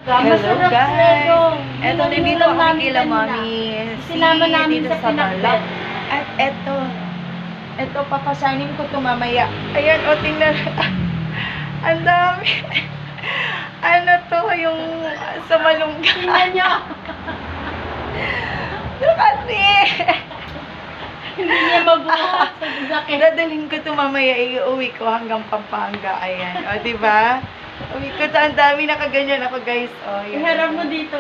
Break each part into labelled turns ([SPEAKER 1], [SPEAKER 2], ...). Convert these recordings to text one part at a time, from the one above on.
[SPEAKER 1] Hello guys! Eto, nandito kami kila Mami.
[SPEAKER 2] Sinama namin
[SPEAKER 1] dito
[SPEAKER 2] sa pinakbet.
[SPEAKER 1] At eto, papasanin ko to mamaya. Ayan, o, tingnan. Ang dami. Ano to, yung sa malunggay.
[SPEAKER 2] Tingnan nyo.
[SPEAKER 1] Kasi,
[SPEAKER 2] Hindi niya mabuhat sa sasakyan.
[SPEAKER 1] dadalhin ko to mamaya, iuwi ko hanggang Pampanga. Ayan, o, diba? Uwi ko to, ang dami nakaganyan ako guys. O, yan.
[SPEAKER 2] Iharap mo dito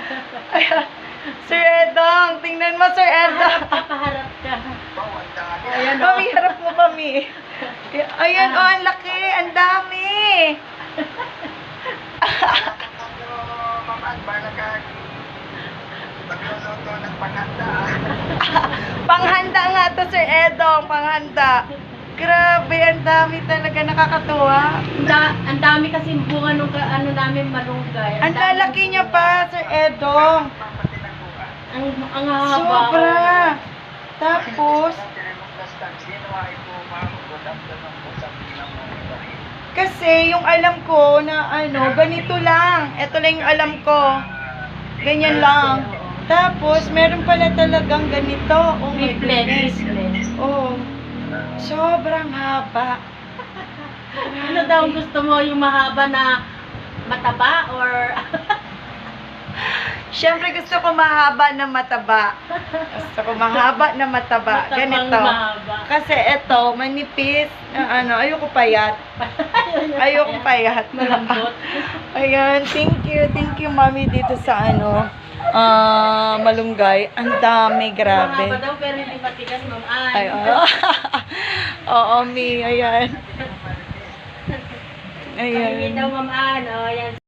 [SPEAKER 1] Sir Edong, tingnan mo Sir Edong.
[SPEAKER 2] Paharap ka.
[SPEAKER 1] Ayan, Mami, harap mo Mami. Ayan, oh, ang laki, ang dami. Panghanda nga to, Sir Edong, panghanda. Grabe, ang dami talaga, nakakatuwa.
[SPEAKER 2] Ang dami kasi bunga nung ano namin malunggay.
[SPEAKER 1] Ang lalaki niya pa, Sir Edong.
[SPEAKER 2] Ang haba.
[SPEAKER 1] Sobra. Tapos, kasi yung alam ko na ano, ganito lang. Ito lang yung alam ko. Ganyan lang. Tapos, meron pala talagang ganito. Oh my goodness. Oh. Sobrang haba.
[SPEAKER 2] Ano daw ang gusto mo? Yung mahaba na mataba or
[SPEAKER 1] Siyempre gusto ko mahaba na mataba. Gusto ko mahaba na mataba.
[SPEAKER 2] matabang
[SPEAKER 1] Ganito.
[SPEAKER 2] mahaba?
[SPEAKER 1] Kasi ito, manipis. Ano, ayoko payat. Ayoko payat.
[SPEAKER 2] Malambot.
[SPEAKER 1] Ayan, thank you. Thank you, Mami, dito sa ano, malunggay. Ang dami,
[SPEAKER 2] Mahaba
[SPEAKER 1] grabe.
[SPEAKER 2] daw pero hindi matigas, ma'am.
[SPEAKER 1] Ay, oo. Oo, Mi, ayan.
[SPEAKER 2] Ayan
[SPEAKER 1] Ayan.
[SPEAKER 2] daw, ma'am. Ano, yan